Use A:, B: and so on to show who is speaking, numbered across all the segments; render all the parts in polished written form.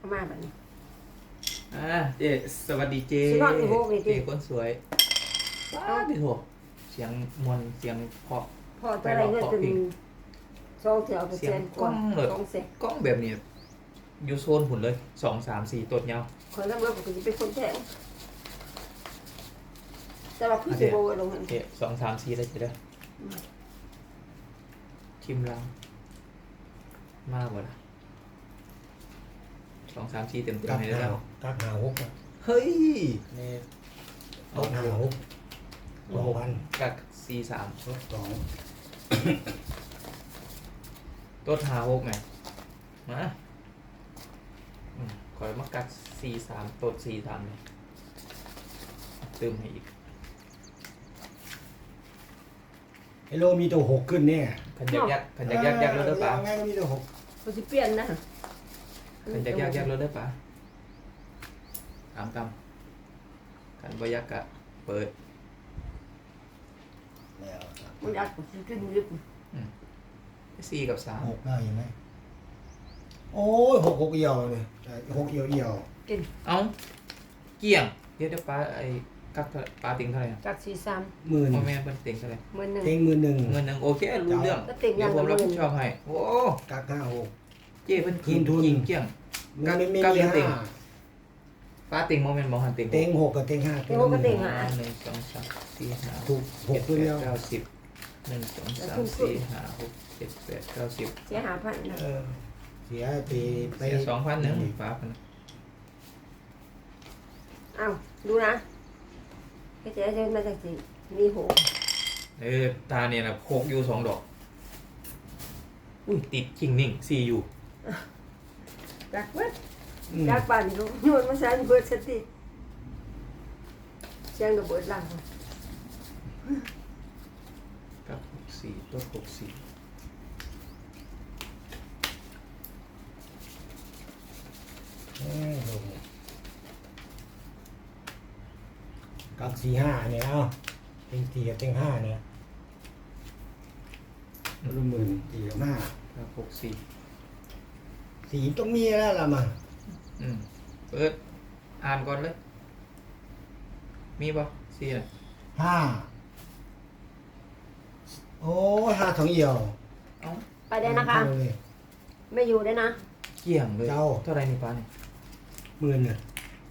A: เข้ามาแบบนี้
B: เจสวัสดีเจ
A: สินอนอีโหกนี่
B: เจ
A: ติ
B: คนสวยว้าดิโถเสียงมวลเสียงเพราะ
A: พอจะอะไรเงินจนสองเถื่อเปอร์
B: เสีย
A: เซ็
B: ง
A: นต์ก
B: กล้
A: ว่า
B: องเลย
A: สองเซ็น
B: กล้องแบบนี้อยู่โซนหุ่นเลย2 3 4ตัวเงา
A: คนละเมื่อผมจะเป็นคนแทงแต่ว่าคือสิโบลงหัน
B: เจ2 3 4ได้เจเด้อชิมลังมากกว่าละ2 3 4เต็ม
C: กัก
B: ให้ได้
C: หา
B: แล้ว
C: กักหาหก
B: เฮ้ย
C: นี่ตกหาหก2,000
B: กัก4 3
C: ลด2
B: ต้น5 6ไหมมาขอมากัก4 3ต้น4 3เลยเติมให้อีก
C: ไอ้โลมีตัว6ขึ้นเนี่ย
B: ขันยักรถได้ปะ
C: ไงก็มีตัว6
A: ผมจะเปลี่ยนนะ
B: ขันยักรถได้ปะตามขันบยักกะเปิด
C: แล้ว
A: มันอยากจะขึ้นลึก
B: 4 กับ
C: 6ได้ยังไหมโอ้ย6เอี่ยวเนี่ย6เอี่ยว
A: กิน
B: 3เอาเกี่ยงเดี๋ยวปลาไอ้กักปลาติงเท่าไหร่
A: จากสี่สาม
C: หมื่น
B: พ่อแม่เป็นติงเท่าไหร่
A: หมื่นหนึ่ง
C: เต็งหมื่นหนึ่ง
B: เงินหนึ่งโอเครู้เรื่อง
A: ก็ติ่งอย่าง
B: เดี๋ยวผม
A: ละ
B: รับ
A: หมื่
B: ผิ
A: น
B: ดชอบให้โอ้
C: กัก5 6
B: เจ้เป็นกิน
C: ทุน
B: จริงเกี่ยง
C: มันไม่มี
B: กักยังติ่ง
C: ห้า
B: ปลาติงโมเมนต์มองหันติง
C: เต็ง6กับเต็ง5
A: เต็งหกกับเต็งห้า
B: 1 2 3 4 5
C: ถูก6ตัวเดียว
B: 9 10 1 2 3 4 5 6 7 8 9 10
A: เสีย5,000นะ
C: เสียไป
B: เสีย2,000หนึ่งฟ้าพัน
A: อ้าวดูนะให้เจ๊จะมาจากสี่มีหก
B: ตาเนี่ยนะโคกอยู่2 ดอกอุ้ยติดคิงนิ่ง4อยู่
A: จากเบิดจากปั่นลูกโยนมาใส่เบิดสติเชียงกับเบิดหลัง
B: กับ64ตัว64
C: กัก4 5เนี่ยเอาเต็ง4กับเต็ง5เนี่ยละหมื่น4กับ5
B: กับ64
C: สีต้องมีแล้วล่ะมา
B: เปิดอ่านก่อนเลย มีป่ะ4น่ะ
C: ห้าโอ้ห้าสองเอี่ยว
B: เอ้า
A: ไปได้นะคะ
C: เอาเลย
A: ไม่อยู่ได้นะ
B: เกี่ยงเลย
C: เจ้า
B: เท่าไรนี่ป้าเนี่ย
C: หมื่นเนี่ย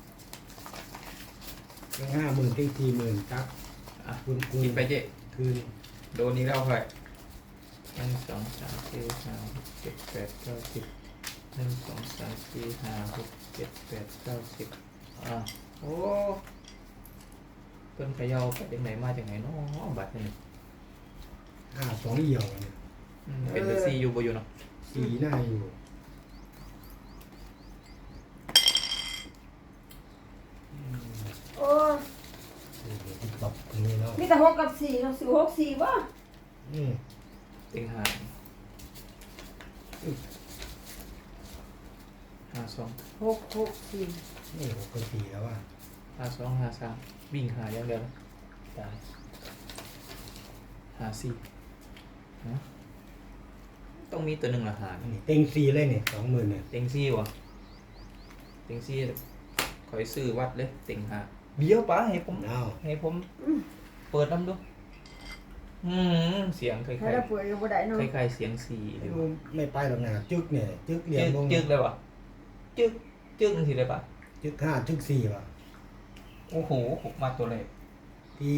C: เต็ง50,000เต็ง40,000ครับ
B: อ่ะ
C: คุณ
B: กินไปเจ๊
C: คืน
B: โดนนี้แล้วค่อย1 2 3 4 5 6 7 8 9 10 1 2 3 4 5 6 7 8 9 10โอ้เพิ่นเขย่าไปจากไหนมาจากไหนเนาะบัตรนี่
C: ห้าสองเอี่ยวเนี่ย
B: เป็นแต่ซีอยู่บ่อยู่เนาะ
C: สีหน้าอยู่
A: โอ้
C: ติ๊กต็อกตรงนี้เนาะ
A: มีแต่หกกับสี่เราสี่หกสี่วะ
C: อืม
B: เต็ง5 52
A: หกหกสี่
C: นี่6กับ4แล้วว่า
B: 52 53วิ่งหาอย่างเดียวนะตาย54นะต้องมีตัวหนึ่งละหาร
C: นี่เต็ง4เลยเนี่ย20,000เนี่ย
B: เต็งซี่วะเต็งซี่คอยซื้อวัดเลยเต็งหาเดี๋ยวป้าให้ผม
C: เอา
B: ให้ผมเปิดน้ำดูเสียงคล้าย
A: ให้เราป่วยก็บ่ได้เนาะ
B: ๆคล้ายๆเสียงสี่เลย
C: ไม่ไปหรอกนะจึกเนี่ยจึกเหลี่ยมลง
B: จึกเลยวะจึกทีเลยปะ
C: จึก5จึก4ว่ะ
B: โอ้โหมาตัวเลข
C: ที่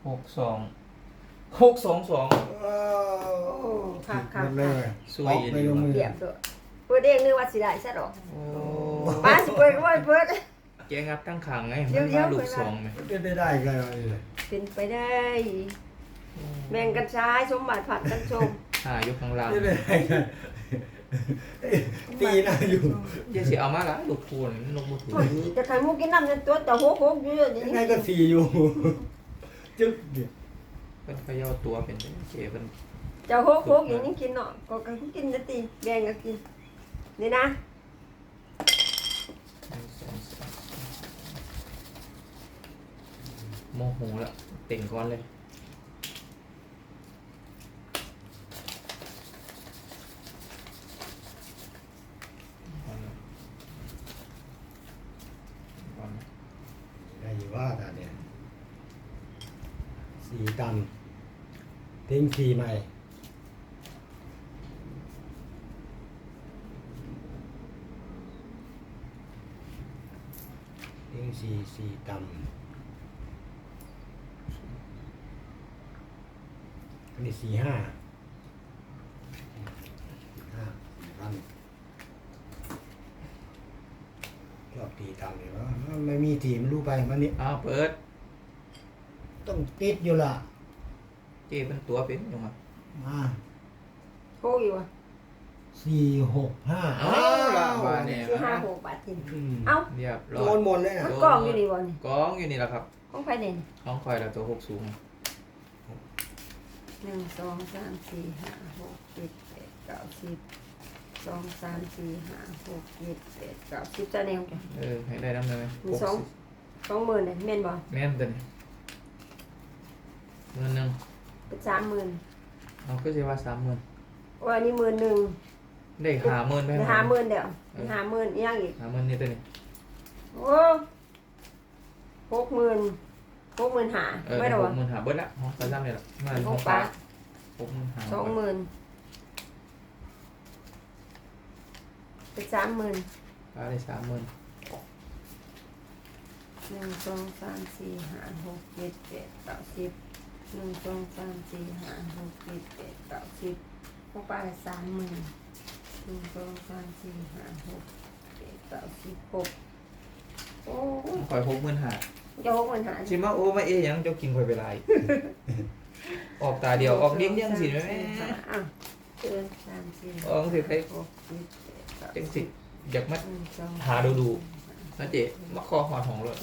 B: 62 622
C: ว้าว
A: โอ้ค่ะค่ะ
C: หมดเลย
B: สวย
C: ออกไปลงมือ
A: เรียบด้วยเปิดเองนึกว่าสิได้ซะดอก
B: โอ้
A: ป้าสิเปิดก็บ่ให้เปิด
B: แกงับตั้งขางไง
A: เดี๋
B: มัน
A: ยว
B: มา
A: ๆ
B: ลูก
A: เปิด
B: สองไหม
C: ได้กันเลย
A: เป็นไปได้ แบ่งกันใช้สมบัติผัดกันชม
B: อยู่ข้างล่าง
C: ได้กันตีหน้าอยู่
B: เดี๋ยวสิเอามาละลูกคูณลูกมือถือ
A: จะไข่มุกกินน้ำในตัวแต่หกหกอยู่อย่าง
C: ยัง
A: นี้
C: ไงก็4อยู่จึกเนี่ย
B: เป็นเขย่าตัวเป็นเก๋เป็น
A: จะหกหกอย่างนี้กินเนาะก็กินนะตีแบ่งกันกินนี่นะ
B: โมโหแล้วเต่งก้อนเลย
C: ว่าตาเนี่ยสี่ต่ำเต็งสี่ใหม่เต็งสี่สี่ต่ำอันนี้สี่ห้าห้า4,000ชอบตีต่ำเลยวะไม่มีทีมนรู้ไปมันนี่
B: อ้าวเปิด
C: ต้องติดอยู่ล่ะ
B: เจ๊เป็นตัวเป็นยังไง
C: มา
A: โคกอยู่อ่ะ
C: 465
B: เอาละบาทเนี่ย
A: คือ5 6 บาทที
C: อืม
A: เอ้า
B: เรียบร้
C: โด
B: อย
C: นหมดเลยนะ
A: มันกล่องอยู่ดีวะนี่
B: กองอยู่นี่แหละครับ
A: ของไฟเด่น
B: ของคอยแล้วตัวหกสูง
A: 1 2 3 4 5 6 7 8 9 10 2 3 4 5 6 7 8 9 10จะแนวจ้ะ
B: ให้ได้น้ำเลย
A: มี20,000เนี่ยแม่นบ่
B: แม่นตัวนี้เงินหนึ่ง
A: เป็น30,000
B: เอาก็จะว่า30,000
A: โอ้ยอันนี้10,000
B: ได้50,000ไป
A: ได้50,000เดี๋ยว50,000อีกอย่างอีก
B: 50,000นี่ตัวนี้
A: โอ้60,000 60,000หาไม่หรอวะ
B: 60,000หาเบิดละห้องประจำเลยละมา
A: ข
B: ห้
A: อ
B: อง ง
A: ป้า
B: ป้า60,000หา
A: 20,000เป็น30,000
B: ป้าได้30,000
A: 1 2 3 4 5 6 7 8 9 10 1 2 3 4 5 6 7 8 9 10พวกป้า30,000 1 2 3 4 5 6 7 9 10 6โอ้ย
B: คอย60,000หา
A: จะ60,000หา
B: ชิมาโอ้มาเอ๊ยยังเจ้ากินคอยไปไร ออกตาเดียวออกเลี้ยงยังสิแม่
A: อ่ะเกิน3 4
B: ออกสิใคร
A: 6 7 8
B: จังสิอยากมา
A: 1 2
B: หาดูนะเจ๊มาคอหอดของเลย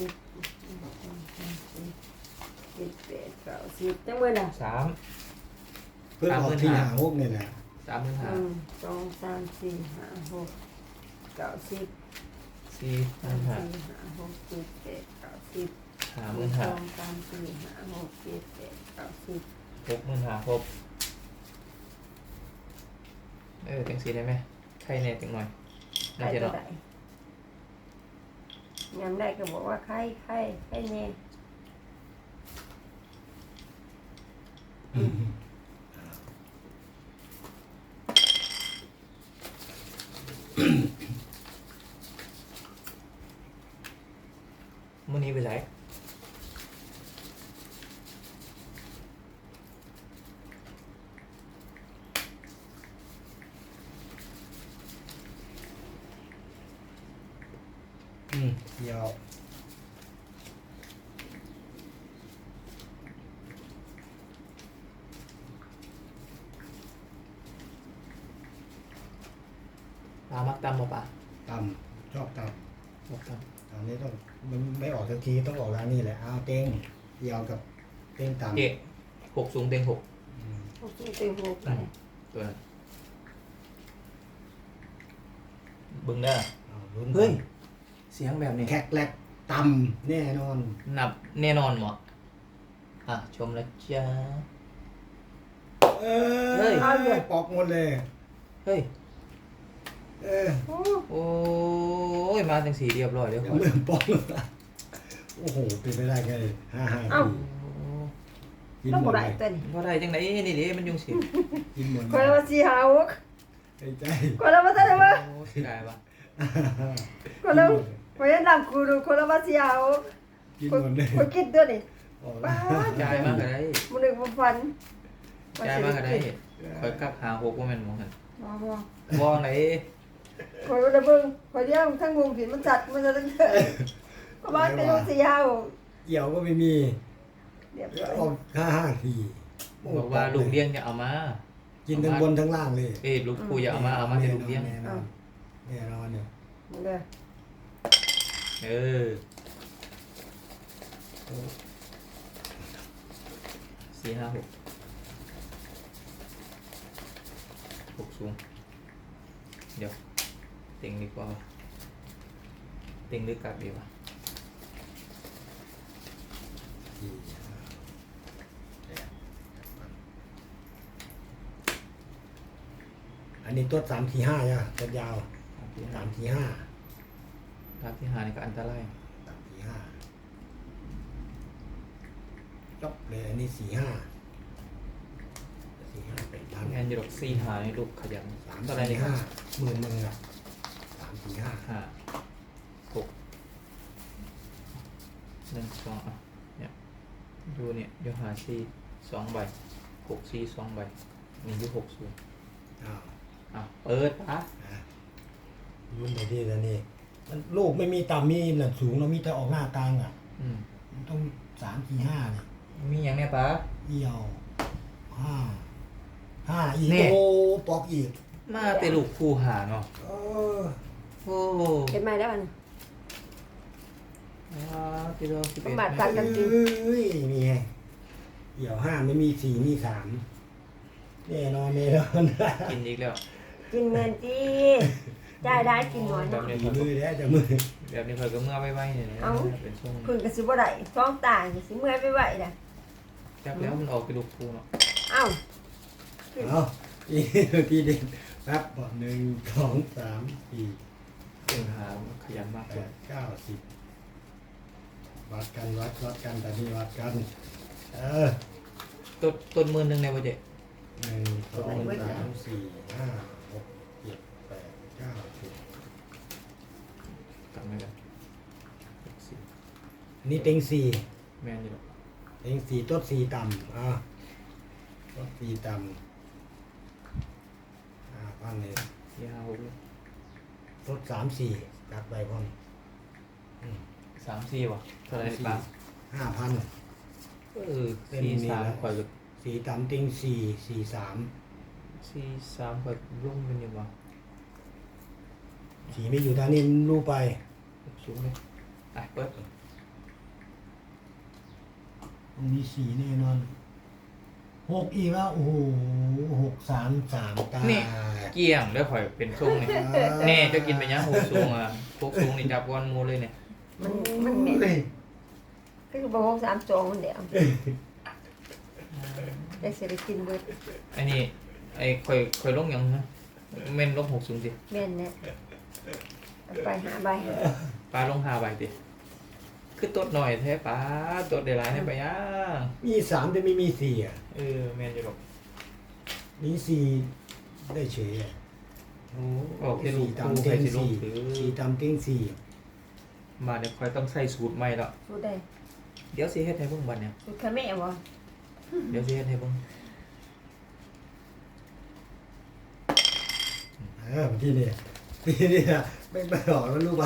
A: จังเมื่อน่ะ
B: 3
C: เพื่อนออกที่หาพวกนี่แหละ
B: 30,000หา
A: 1 2 3 4 5 6 9 10
B: 4,000หา
A: 4 5 6 7 8 9 10
B: 50,000หา
A: 2 3 4 5 6 7 8 9 10
B: 60,000หาครบจังสิได้ไหมใครแน่จังหน่อย
A: ใคร
B: น่าจะ
A: ตัว
B: เนาะ
A: ใดยามได้ก็บอกว่าใครแน่
B: มื้อนี้ไปไหน
C: เดี๋ยว
B: ปลามักตำบ่ปลา
C: ต่ำชอบต่ำ
B: มักต
C: ตอนนี้ต้องมันไม่ออกสักทีต้องออกร้านนี้แหละเอาเต็งเดียวกับเต็ง
B: ำ
C: ต่ำ
B: เจ๊6สูงเต็ง6
A: โอเคตื่นหูไป
B: ตัวนั้นเบิ่งเด้อ
C: เอาลุ้น
B: เฮ้ย เสียงแบบนี้
C: แขกแหลกต่ำแน่นอน
B: นับแน่นอนหมอชมแล้วจ้า
C: เอ
B: เฮ้ย
C: ปอกหมดเลย
B: เฮ้ย
C: เออ
A: โอ้
B: โอ้ย มาจังสีเรียบร้อยเดี๋ยวก่อน
C: เริ่มปอกแล้วโอ้โหเป็นไปได้ไง5
A: เอ้า
C: ทีกิน
A: แล้ว
C: หม
A: บ่
C: ด
A: ได้
C: เลย
A: ตัวนี้
B: ว่าได้จังไหนนี่ดิมันยุงสิ
C: กินหมด
A: คนละว่าสิหาหก
C: ไอ้ใจ
A: คนละว่าเท่าไหร่วะ
B: โอ้เสียดายปะ
A: คนละพยายามกูดูคนละว่าสิหาหก
C: กินหมดเลย
A: คนกินตัวนี้
C: ออก
A: ป้า
B: จ่ายมากก็ได้
A: มันนึกว่าฟัน
B: จ่ายมากก็ได้คอยกักหา6ว่าแม่นหมองหัน
A: บ่
B: บ่ไหน
A: คอยระเบิงคอยเลี้ยงทั้งวงผิดมันจัดมันจะตั้งเกิดเพราะว่าเป็นลูกสี่ห้า
C: เกี่ยวก็ไม่มี
A: เรียบร้อย
C: ออก5 ที
B: บอกว่าลูกเลี้ยงอย่าเอามา
C: กินทั้งบนทั้งล่างเลย
B: ลูกปู่อย่าเอามาให้ลูกเลี้ยง
C: แน่นอนแน่นอนเนี่ย
A: มันเลย
B: เออ4 5 6 6สูงเดี๋ยวเต็งดีกว่าเต็งหรือกักดีวะ
C: 4 อันนี้ตัว3 4 5เนี่ยตัวยาว3 4 5
B: ภาพที่หานี่ก็อันตราย
C: 3 4 5 จบเลยอันนี้สี่ห้าเป็นพัน
B: งานอยู่ดอก4หาในลูกขยัน
C: สาม
B: เท่าไหร่
C: สี่
B: นี่ครั
C: ห้า
B: บ
C: หมื่นหนึ่งอ่ะสามสี่ห้า
B: ห้าหกหนึ่งสองอ่ะเนี่ยดูเนี่ยอยู่หา4 2ใบ6 4 2ใบมีอยู่60
C: อ้าว
B: อ่ะเปิดปะ
C: นะรุ่นไหนที่แล้วนี่มันลูกไม่มีต่ำมีหนักสูงเรามีแต่ออกหน้ากลางอ่ะ
B: อืม
C: มันต้องสามสี่ห้าเนี่ย
B: มีอย่างเนี้ยปะ
C: เอี่ยวห้าห้าอีก
B: นี่
C: โอ้ปอกอีก
B: มาแต่ลูกคู่หาเนาะ
C: เออ
B: โอ้
A: เห็นไหมแล้วมัน
B: ที่เรา11
A: ประมาทกันกันจริง
C: เอ้ยนี่ไงเอี่ยวห้าไม่มีสี่มีสามแน่นอนแน่นอน
B: กินอีกแล้ว
A: กินเงินจีจ่ายได้กินน้อย
B: แบ
A: เนาะ
B: บนี้
C: มื
B: ค่อย
C: อแล้วจะมือ
B: แบบนี้ค่อยก็เมื่อไว้ๆเนี่ยนะ
A: เอ้า
B: เป็นช่วง
A: พึ่งกระสิบ่ได้ท้องตายสิเมื่อยไปไหวน่ะ
B: จับแล้วมันออกกระดูกคู่เนาะ
A: เอ้า
C: เอาอีกทีเด็ดแป๊บบอกหนึ่งสองสามสี่
B: เป็นหาขยันมาก
C: แป
B: เลย
C: ดเก้าสิบวัดกันวัดกันแต่นี่วัดกันเออ
B: ต้น10,000ในวันเด็ก
C: หนึ่งสองสามสี่ห้าหกเจ็ดแปดเก้าสิบ
B: กลับมากัน
C: อันนี้เต็งสี่
B: แม่นอยู่หรอก
C: เต็งสี่ต้นสี่ต่ำต้นสี่ต่ำพันเลย
B: ที่5 6เลย
C: ต้นสามสี่จัดไปพร้อม
B: 3 4ว่ะเท่าไหรนี่ปะ
C: 5,000 เป็นนี่
B: 4
C: แหละ
B: 3ข่อยกับ
C: สี่ต่ำเต็งสี่สี่สาม
B: 4 3ข่อยรุ่งเป็นยังวะ
C: สีไม่อยู่ทางนี้รู้ไป
B: สูงเลยอ่ะเปิด
C: มันมีสีแน่นอนหกอีกแล้วโอ้โหหกสามสามตาย
B: เกี่ยงได้ข่อยเป็นช่วงนี่แน่จะกินไปยัง6สูงอ่ะ6สูงนี่จับก้อนหมูเลยเนี่ย
A: มันเหม็นก็คือบ่ฮก3 2มันเดียวได้สิได้กินเบิด
B: ไอ้นี่ไอ้ข่อยลงยังฮะแม่นลง6สูงสิ
A: แม่นแน่เอาไปหาใบ
B: ปลาลง5ใบติคือตดหน่อยแท้ปลาตดได้หลายในไปยัง
C: มีสามแต่ไม่มีสี่อ่ะ
B: แม่นอยู่หรอก
C: มีสี่ได้เฉยอ่ะโอ้
B: ออกที่ลู
C: สี่
B: ก
C: ต่ำเต็ง
B: คู่ใครสิลง
C: สี่
B: ถือ
C: สี่ต่ำเต็งสี่
B: มาเดี๋ยวข่อยต้องใส่สูตรใหม่แล้ว
A: สู้ได้
B: เดี๋ยวสิเฮ็ดให้เบิ่งบัดเนี่ย
A: สู้ค่ะแม่บ่
B: เดี๋ยวสิเฮ็ดให้เบิ่ง
C: ที่นี่นะไม่ออกแล้วรู้ไป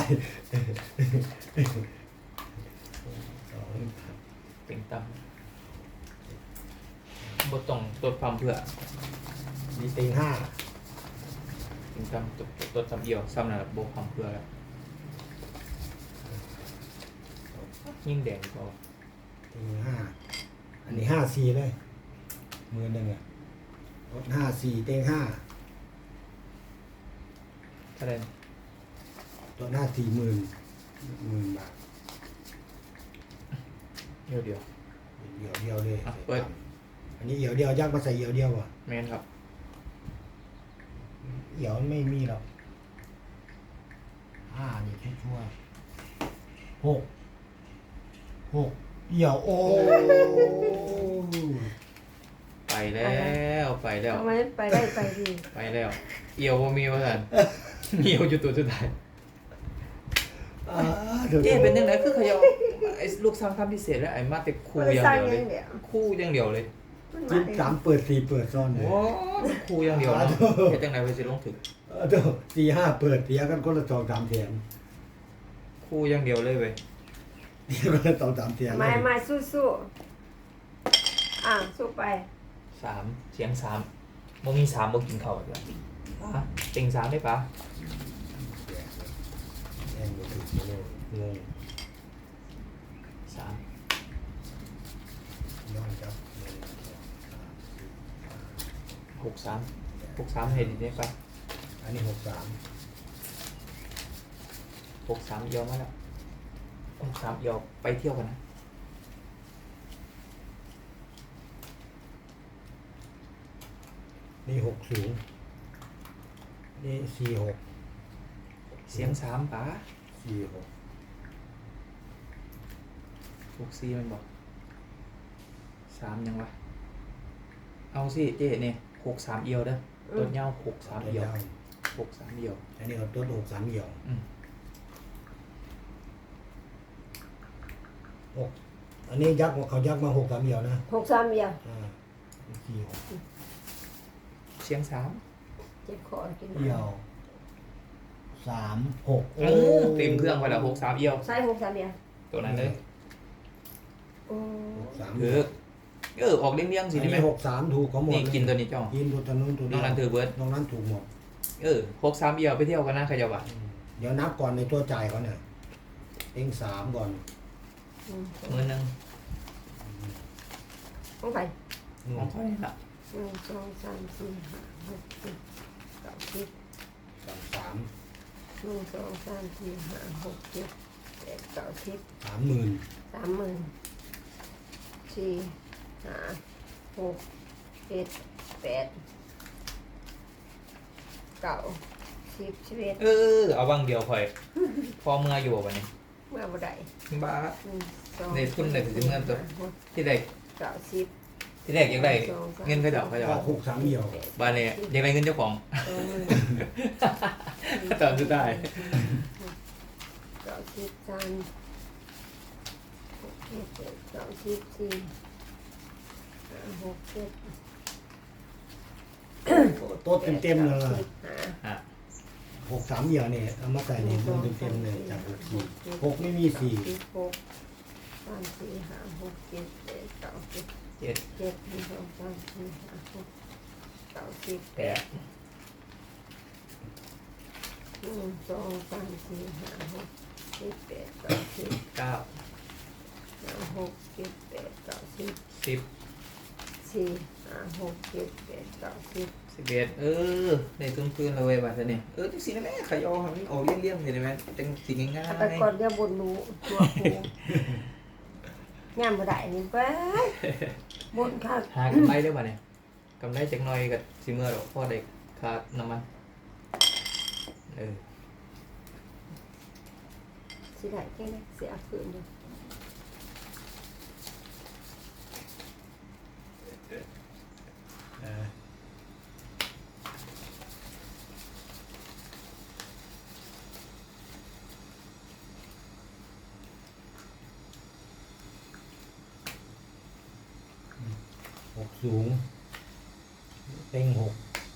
C: สอง
B: เป็นตำบ่ต้องตดความเพื่อ
C: มีเต็งห้า
B: เป็นตำตดตำเดียวซ้ำนั่นล่ะบ่ความเพื่อแล้วยิ่งแดงก็
C: เต็งห้าอันนี้ห้าสี่เลยมือหนึ่งอ่ะรถห้าสี่เต็งห้า
B: เท่าไหร่
C: ตัวหน้า40,000บาท
B: เดี๋ยว
C: เดียวเลย
B: อ่ะเปิด
C: อันนี้เหี่ยวยักษ์มาใส่เหี่ยวอ่ะ
B: แม่นครับ
C: เหี่ยวไม่มีหรอกห้านี่ชั่วหกเหี่ยวโอ้
B: ไปแล้วไปแล้ว
A: ทำไมไปได้ไปดี
B: ไปแล้วเอียวบ่มีว่าซั่นเอียวอยู่ตัวสุดท้ายเจ๊เป็นจังไดคือเขาจะเอาไอ้ลูกสร้างคำพิเศษแล้วไอ้มาแต่คู่อย่างเดียวเลยคู่อย่างเดียวเลย
C: จิ้มสามเปิดสี่เปิดซ่อนเลย
B: โอ้คู่อย่างเดียวเนาะเฮ็ดจังได๋ไปสิลงถึง
C: เดี๋ยว4-5เปิดเสียกันคนละ2-3แถม
B: คู่อย่างเดียวเลยเว้ย
C: เสียกันละ2-3แถม
A: ไม่สู้ๆสู้ไป
B: 3เสียง3บ่มี3บ่กินข้าวอีกแล้วปะเต็ง3ได้ปะ
C: แม่งบ่ถูกเลยงง
B: 3
C: ย้อนครับ
B: 63ให้ดีได้ปะ
C: อันนี้63
B: 63เอียวมาแล้ว63เอียวไปเที่ยวกันนะ
C: นี่60นี่46
B: เสียง3ปะ
C: 46
B: 64มันบอก 63ยังวะเอาสิเจ๊เนี่ย63เอียวเด้อตัวเหย้า63เอียว63เอียว
C: อันนี้เอาตัวหกสามเหี่ยว
B: อืม
C: หกอันนี้ยักษ์เขายักษ์มาหกสามเหี่ยวนะ
A: 63เดียว
C: สี่หก
B: เชียง3
A: เจ็บคอกิน
C: เหี่ยวสามหก
B: โอ้เต็มเครื่องไปแล้ว63เอียว
A: ใส่63เดียว
B: ตัวนั้นเลย
A: โอ้
C: หกสาม
B: ถือออกเลี่ยงๆสิ
C: อัน
B: ได้ไหม
C: นี้หกสามถูกเขาหมด
B: นี่กินตัวนี้จ้อง
C: กินตัวนู้นตัว
B: น้องนั้นถือเบิร์ด
C: น้องนั้นถูกหมด
B: 63เอียวไปเที่ยวกันนะขยับอ่ะ
C: เดี๋ยวนับก่อนในตัวจ่ายเขาเนี่ยเต็งสามก่อน
B: มื้อนึง
A: ของไป
B: ของเขาเนี่ยละ
A: 1 2 3 4 5 6 7 9 10
C: สาม
A: 1 2 3 4 5 6 7 8 9 10
C: 30,000
A: 30,000 4 5 6 7 8 9 10 11
B: เอาบางเดียวค่อย พอเมื่ออยู่วันนี้
A: เมื่อบ่ได้
B: บ้า
A: 1 2
B: ในทุนได้ถึงเงินตัว ที่ใด
A: 9 10
B: ที่แรกอยากได้เงินเขาเดาเขาจะ
C: ก็หกสามเหี่ยว
B: บ้านเนี่ยอยากได้เงินเจ้าของ
A: 20
B: ตอนสุดท้าย
A: 90 3 6 7 90 4 5 6 7
C: โต๊ะเต็มๆเลย
B: อ่ะ
C: หกสามเหี่ยวเนี่ยเอามาใส่ในมือเต็มๆเลยจากหกสี่หกไม่มีสี่
A: 6 3 4 5 6 7 8 9 10
B: เจ็ด
A: 7 1 2 3 4 5 6 9 10
B: แปด
A: 1 2 3 4 5 6 7 8 9 10
B: เก้า
A: 5 6 7 8 9 10
B: สิบ
A: 4 5 6 7 8 9 10
B: 11ในทุนคืนเลยบ้านเนี่ยจังสินะแม่ขยอครับมันออกเลี่ยงๆเห็นไหมจังสิง่าย
A: แต่ก่อนเดี๋ยวบนรู้ตัวครูงานบ่ได้นี่ไปบนค่ะ
B: หากำไรได้ป่ะเนี่ยกำไรจักหน่อยกับสิเมื่อหรอกพ่อเด็กขาดน้ำมันเออ
A: สิได้แค่นี้เสียคืนเดียว
C: หกสูงเต็งหก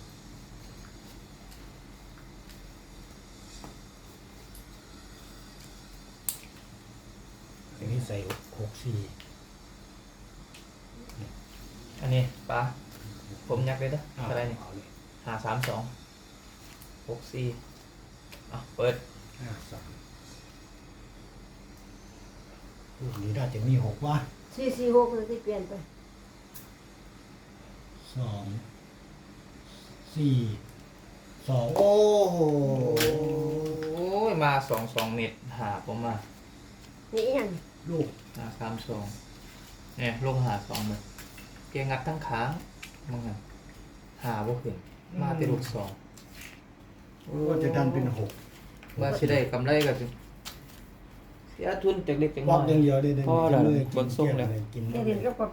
C: อันนี้ใส่หกสี่
B: อันนี้ป้าผมยักเลยนะอะไรนี่
C: เอาเลย
B: 532 64อ่ะเปิด
C: 53รูปนี้น่าจะมีหกวะ
A: 446เลยที่เปลี่ยนไป
C: 2 4 2โอ้โห
B: โอ้ยมา22เม็ดหาผมมา
A: นี่อีหยัง
C: ลูก
B: 532เนี่ยลง52เลยเกียงงัดทั้งค้างมึงอ่ะหาบ่ขึ้นมาแต่ลูก2
C: ก็จะดันเป็นหก
B: ว่าสิได้กำไรก็สิเสียทุนจากเล็กจาก
C: บล็
B: น้
C: อ
B: อก ย
C: อย่างเดียวได้
B: พอแล้ว
C: เลย
B: เบิ่งทรงแล้ว
C: กิน
A: เดี๋ยวเดี๋ยวก็